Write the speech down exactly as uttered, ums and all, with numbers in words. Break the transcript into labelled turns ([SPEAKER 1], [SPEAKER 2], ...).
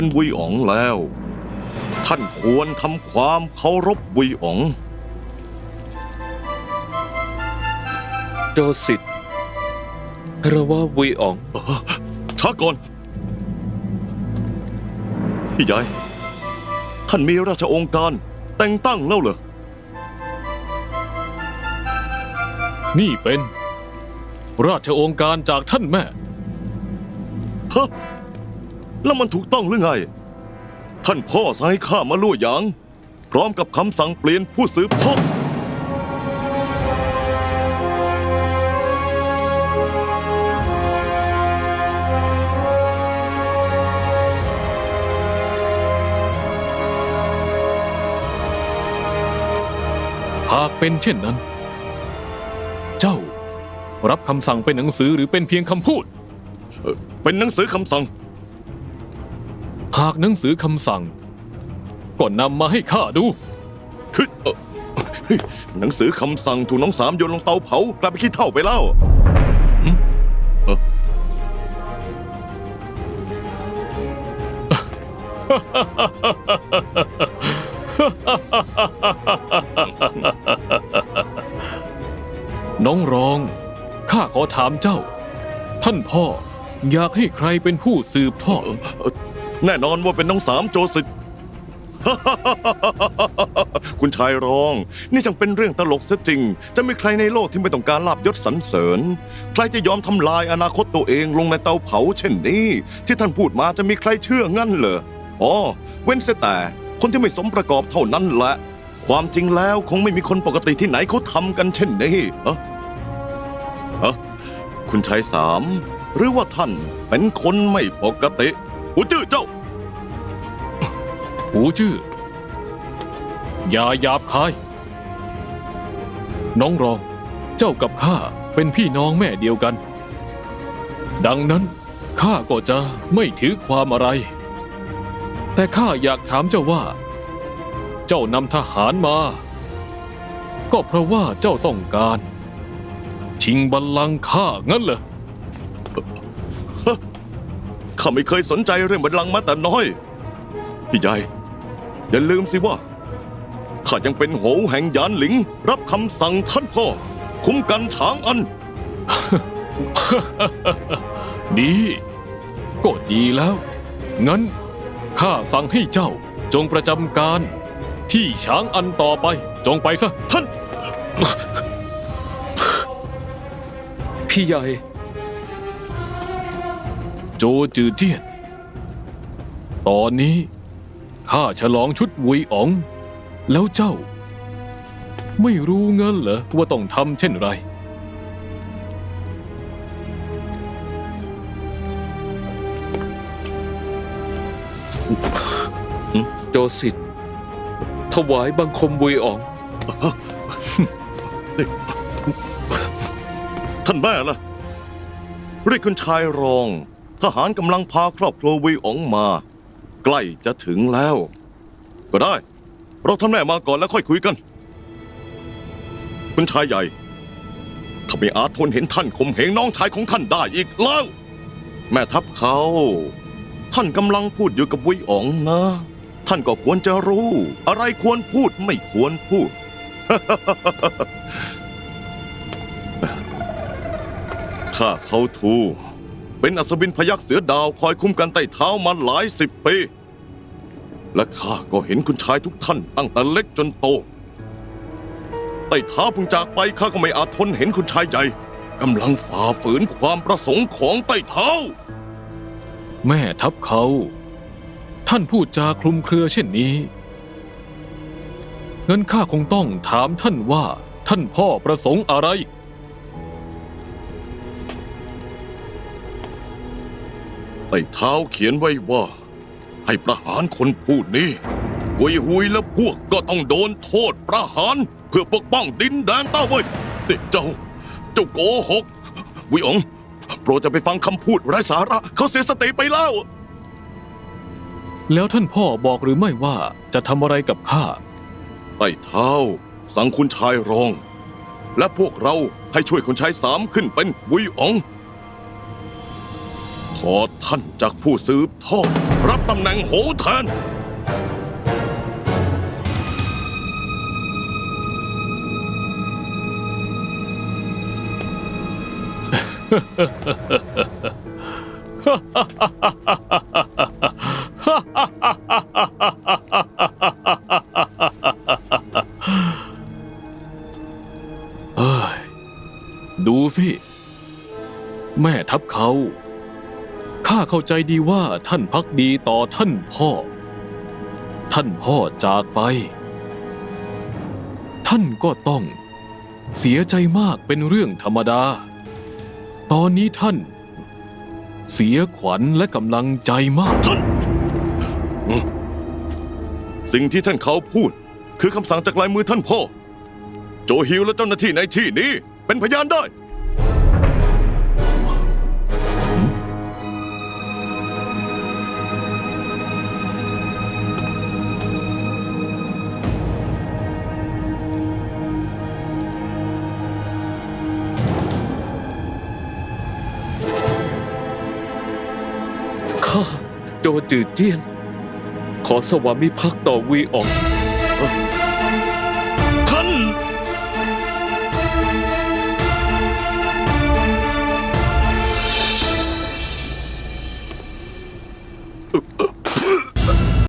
[SPEAKER 1] เป็นวุยอ๋องแล้วท่านควรทำความเคารพวุยอ๋อง
[SPEAKER 2] โจสิทธิ์เราว่าวุยอ๋อง
[SPEAKER 1] ช้าก่อนพี่ใหญ่ท่านมีราชองค์การแต่งตั้งแล้วเหรอ
[SPEAKER 3] นี่เป็นราชองค์การจากท่านแม่
[SPEAKER 1] ฮะแล้วมันถูกต้องหรือไงท่านพ่อสั่งให้ข้ามาลู่หยางพร้อมกับคำสั่งเปลี่ยนผู้สืบทอด
[SPEAKER 3] หากเป็นเช่นนั้นเจ้ารับคำสั่งเป็นหนังสือหรือเป็นเพียงคำพูด
[SPEAKER 1] เป็นหนังสือคำสั่ง
[SPEAKER 3] หากหนังสือคำสั่งก็นำมาให้ข้าดู
[SPEAKER 1] คือหนังสือคำสั่งถูกน้องสามโยนลงเตาเผากลายเป็นขี้เถ้าไปแล้ว
[SPEAKER 3] น้องรองข้าขอถามเจ้าท่านพ่ออยากให้ใครเป็นผู้สืบทอด
[SPEAKER 1] แน่นอนว่าเป็นน้องสามโจสิทธิ์ คุณชายรองนี่ช่างเป็นเรื่องตลกซะจริงจะมีใครในโลกที่ไม่ต้องการลาภยศสรรเสริญใครจะยอมทำลายอนาคตตัวเองลงในเตาเผาเช่นนี้ที่ท่านพูดมาจะมีใครเชื่องั้นเหรออ๋อเว้นเสียแต่คนที่ไม่สมประกอบเท่านั้นแหละความจริงแล้วคงไม่มีคนปกติที่ไหนเขาทำกันเช่นนี้เอะเอะคุณชายสามหรือว่าท่านเป็นคนไม่ปกติหูจื้อเจ้า
[SPEAKER 3] หูจื้ออย่าหยาบคายน้องรองเจ้ากับข้าเป็นพี่น้องแม่เดียวกันดังนั้นข้าก็จะไม่ถือความอะไรแต่ข้าอยากถามเจ้าว่าเจ้านำทหารมาก็เพราะว่าเจ้าต้องการชิงบัลลังก์ข้างั้นเหรอ
[SPEAKER 1] ข้าไม่เคยสนใจเรื่องบัลลังก์มาแต่น้อยพี่ใหญ่อย่าลืมสิว่าข้ายังเป็นโหวแห่งหยานหลิงรับคำสั่งท่านพ่อคุ้มกันฉางอัน
[SPEAKER 3] ดีก็ดีแล้วงั้นข้าสั่งให้เจ้าจงประจำการที่ฉางอันต่อไปจงไปซะ
[SPEAKER 1] ท่าน
[SPEAKER 2] พี่ใหญ่
[SPEAKER 3] โจจือเจี้ยนตอนนี้ข้าฉลองชุดวุยอ๋องแล้วเจ้าไม่รู้งั้นเหรอว่าต้องทำเช่นไร
[SPEAKER 2] โจสิทธิ์ถวายบังคมวุยอ๋อง
[SPEAKER 1] ท่านแม่ล่ะเรียกคุณชายรองทหารกำลังพาครอบครัววุยอ๋องมาใกล้จะถึงแล้วก็ได้เราท่านแม่มาก่อนแล้วค่อยคุยกันคุณชายใหญ่ข้าไม่อาจทนเห็นท่านข่มเหงน้องชายของท่านได้อีกแล้วแม่ทัพเขาท่านกำลังพูดอยู่กับวุยอ๋องนะท่านก็ควรจะรู้อะไรควรพูดไม่ควรพูด ข้าเขาทูเป็นอัศวินพยัคฆ์เสือดาวคอยคุ้มกันใต้เท้ามาหลายสิบปีและข้าก็เห็นคุณชายทุกท่านตั้งแต่เล็กจนโตใต้เท้าเพิ่งจากไปข้าก็ไม่อาจทนเห็นคุณชายใหญ่กำลังฝ่าฝืนความประสงค์ของใต้เท้า
[SPEAKER 3] แม่ทัพเขาท่านพูดจาคลุมเครือเช่นนี้งั้นข้าคงต้องถามท่านว่าท่านพ่อประสงค์อะไร
[SPEAKER 1] ใต้เท้าเขียนไว้ว่าให้ประหารคนพูดนี้กุยหุยและพวกก็ต้องโดนโทษประหารเพื่อปกป้องดินแดนต้าเว่ยเจ้าเจ้าโกหกวุยอ๋องโปรดจะไปฟังคำพูดไร้สาระเขาเสียสติไปแล้ว
[SPEAKER 3] แล้วท่านพ่อบอกหรือไม่ว่าจะทำอะไรกับข้า
[SPEAKER 1] ใต้เท้าสั่งคุณชายรองและพวกเราให้ช่วยคุณชายสามขึ้นเป็นวุยอ๋องถอดท่านจากผู้สืบทอดรับตำแหน่งโหแทน
[SPEAKER 3] เอ้ยดูสิ แม่ทัพเขา ข้าเข้าใจดีว่าท่านพักดีต่อท่านพ่อ ท่านพ่อจากไป ท่านก็ต้องเสียใจมากเป็นเรื่องธรรมดา ตอนนี้ท่าน เสียขวัญและกำลังใจมาก
[SPEAKER 1] ท่าน สิ่งที่ท่านเขาพูด คือคำสั่งจากลายมือท่านพ่อ โจฮิวและเจ้าหน้าที่ในที่นี้ เป็นพยานได้
[SPEAKER 2] ข้าโจจืดเจี้ยน ขอสวามิภักดิ์ต่อวีออง